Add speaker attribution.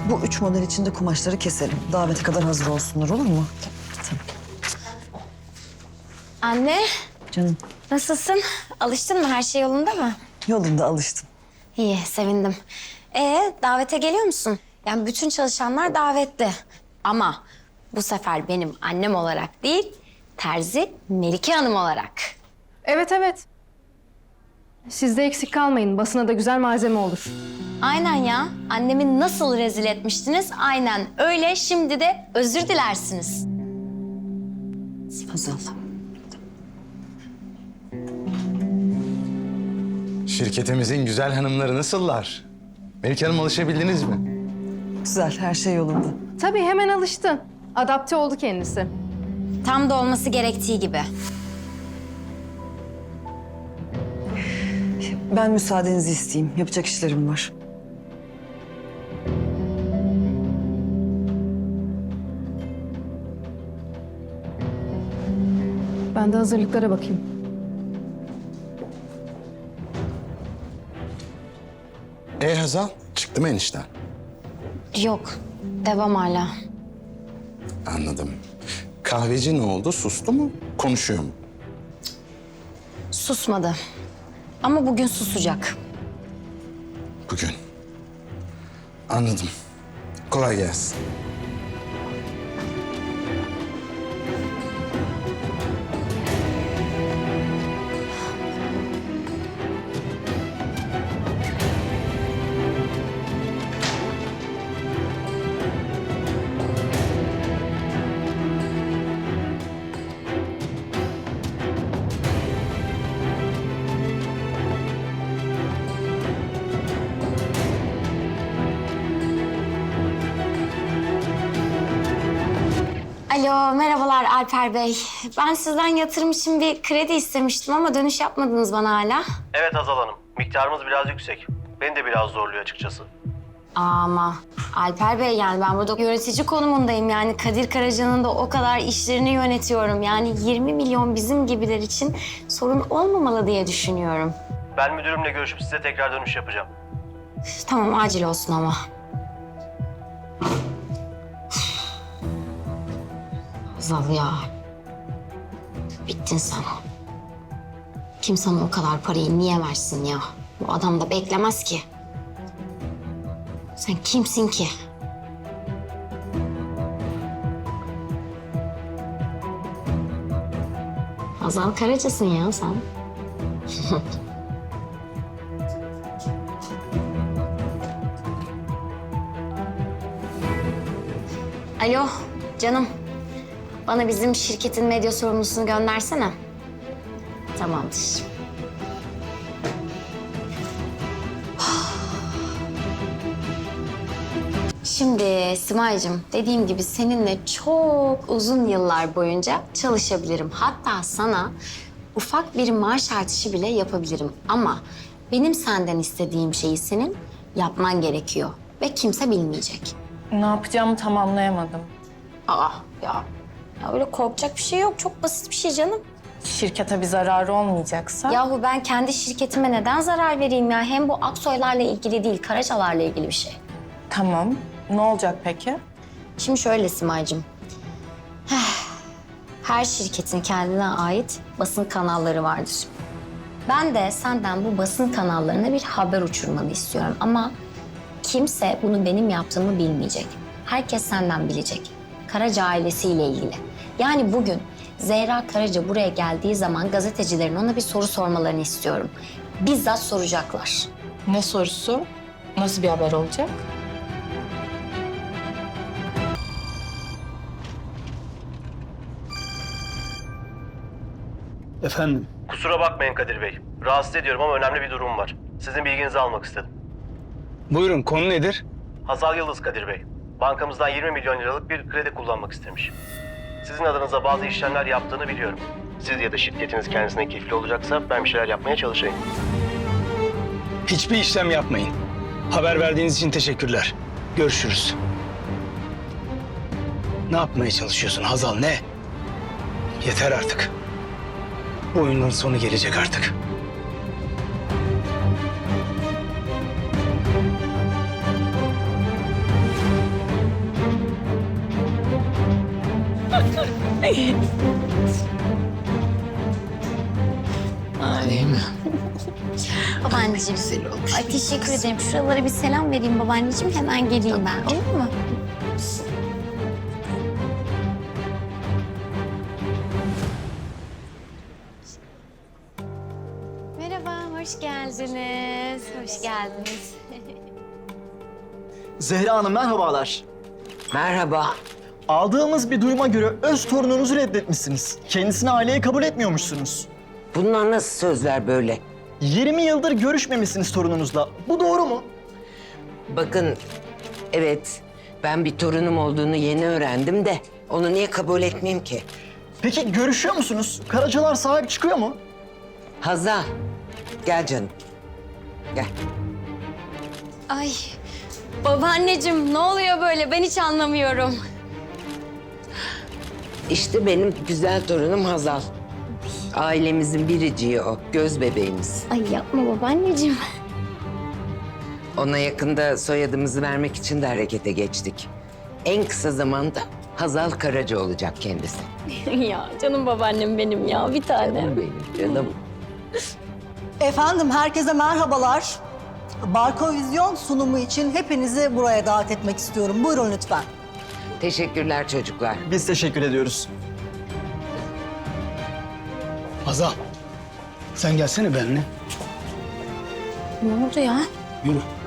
Speaker 1: Bu 3 model içinde kumaşları keselim. Davete kadar hazır olsunlar, olur mu?
Speaker 2: Anne,
Speaker 1: Canım,
Speaker 2: nasılsın? Alıştın mı? Her şey yolunda mı?
Speaker 1: yolunda alıştım.
Speaker 2: İyi, sevindim. Davete geliyor musun? Yani bütün çalışanlar davetli. Ama bu sefer benim annem olarak değil, terzi Melike Hanım olarak.
Speaker 3: Evet, evet. Siz de eksik kalmayın. Basına da güzel malzeme olur.
Speaker 2: Aynen ya. Annemi nasıl rezil etmiştiniz? Aynen öyle. Şimdi de özür dilersiniz.
Speaker 1: Hazal.
Speaker 4: Şirketimizin güzel hanımları nasıllar? Melike Hanım, alışabildiniz mi?
Speaker 1: Güzel, her şey yolunda.
Speaker 3: Tabii hemen alıştı. Adapte oldu kendisi.
Speaker 2: Tam da olması gerektiği gibi.
Speaker 1: Ben müsaadenizi isteyeyim. Yapacak işlerim var.
Speaker 3: Ben de hazırlıklara bakayım.
Speaker 4: Hazal, çıktı mı enişten?
Speaker 2: Yok, devam hala.
Speaker 4: Anladım. Kahveci ne oldu? Sustu mu? Konuşuyor mu?
Speaker 2: Susmadı. Ama bugün susacak.
Speaker 4: Bugün. Anladım. Kolay gelsin.
Speaker 2: Alo, merhabalar Alper Bey. Ben sizden yatırım için bir kredi istemiştim ama dönüş yapmadınız bana hala.
Speaker 5: Evet Hazal Hanım, miktarımız biraz yüksek. Beni de biraz zorluyor açıkçası.
Speaker 2: Ama Alper Bey, yani ben burada yönetici konumundayım. Yani Kadir Karaca'nın da o kadar işlerini yönetiyorum. Yani 20 milyon bizim gibiler için sorun olmamalı diye düşünüyorum.
Speaker 5: Ben müdürümle görüşüp size tekrar dönüş yapacağım.
Speaker 2: Tamam, acil olsun ama. Hazal ya. Bittin sen. Kim sana o kadar parayı niye versin ya? Bu adam da beklemez ki. Sen kimsin ki? Hazal Karaca'sın ya sen. Alo, canım. Bana bizim şirketin medya sorumlusunu göndersene. Tamamdır. Şimdi Simay'cığım, dediğim gibi seninle çok uzun yıllar boyunca çalışabilirim. Hatta sana ufak bir maaş artışı bile yapabilirim. Ama benim senden istediğim şeyi senin yapman gerekiyor. Ve kimse bilmeyecek.
Speaker 6: Ne yapacağımı tam anlayamadım.
Speaker 2: Aa ya öyle korkacak bir şey yok. Çok basit bir şey canım.
Speaker 6: Şirkete bir zararı olmayacaksa?
Speaker 2: Yahu ben kendi şirketime neden zarar vereyim ya? Hem bu Aksoylarla ilgili değil, Karacalarla ilgili bir şey.
Speaker 6: Tamam. Ne olacak peki?
Speaker 2: Şimdi şöyle Simay'cığım. Her şirketin kendine ait basın kanalları vardır. Ben de senden bu basın kanallarına bir haber uçurmanı istiyorum. Ama kimse bunu benim yaptığımı bilmeyecek. Herkes senden bilecek. Karaca ailesiyle ilgili. Yani bugün Zehra Karaca buraya geldiği zaman gazetecilerin ona bir soru sormalarını istiyorum. Bizzat soracaklar.
Speaker 6: Ne sorusu? Nasıl bir haber olacak?
Speaker 7: Efendim,
Speaker 5: Kusura bakmayın Kadir Bey. Rahatsız ediyorum ama önemli bir durum var. Sizin bilginizi almak istedim.
Speaker 7: buyurun konu nedir?
Speaker 5: Hazal Yıldız Kadir Bey. Bankamızdan 20 milyon liralık bir kredi kullanmak istemiş. Sizin adınıza bazı işlemler yaptığını biliyorum. Siz ya da şirketiniz kendisine keyifli olacaksa ben bir şeyler yapmaya çalışayım.
Speaker 7: Hiçbir işlem yapmayın. Haber verdiğiniz için teşekkürler. Görüşürüz. Ne yapmaya çalışıyorsun Hazal, ne? Yeter artık. Bu oyunun sonu gelecek artık. Değil mi?
Speaker 2: Babaanneciğim.
Speaker 7: Güzel olmuş.
Speaker 2: Ay teşekkür ederim. Şuralara bir selam vereyim babaanneciğim. Hemen geleyim ben. Olur mu? Merhaba, hoş geldiniz. Hoş geldiniz.
Speaker 8: Zehra Hanım merhabalar.
Speaker 9: Merhaba.
Speaker 8: Aldığımız bir duyuma göre öz torununuzu reddetmişsiniz. Kendisini aileye kabul etmiyormuşsunuz.
Speaker 9: Bunlar nasıl sözler böyle?
Speaker 8: 20 yıldır görüşmemişsiniz torununuzla. Bu doğru mu?
Speaker 9: Bakın, evet ben bir torunum olduğunu yeni öğrendim de onu niye kabul etmeyeyim ki?
Speaker 8: Peki görüşüyor musunuz? Karacalar sahip çıkıyor mu?
Speaker 9: Hazal, gel canım. Gel.
Speaker 2: Ay babaanneciğim ne oluyor böyle? Ben hiç anlamıyorum.
Speaker 9: İşte benim güzel torunum Hazal. Ailemizin biriciği o, göz bebeğimiz.
Speaker 2: Ay yapma babaanneciğim.
Speaker 9: Ona yakında soyadımızı vermek için de harekete geçtik. En kısa zamanda Hazal Karaca olacak kendisi.
Speaker 2: Ya canım babaannem benim ya bir tane.
Speaker 9: Canım benim, canım.
Speaker 10: Efendim herkese merhabalar. Barkovizyon sunumu için hepinizi buraya davet etmek istiyorum. Buyurun lütfen.
Speaker 9: Teşekkürler çocuklar.
Speaker 8: Biz teşekkür ediyoruz.
Speaker 7: Hazal, sen gelsene benimle.
Speaker 2: Ne oldu ya?
Speaker 7: Yürü.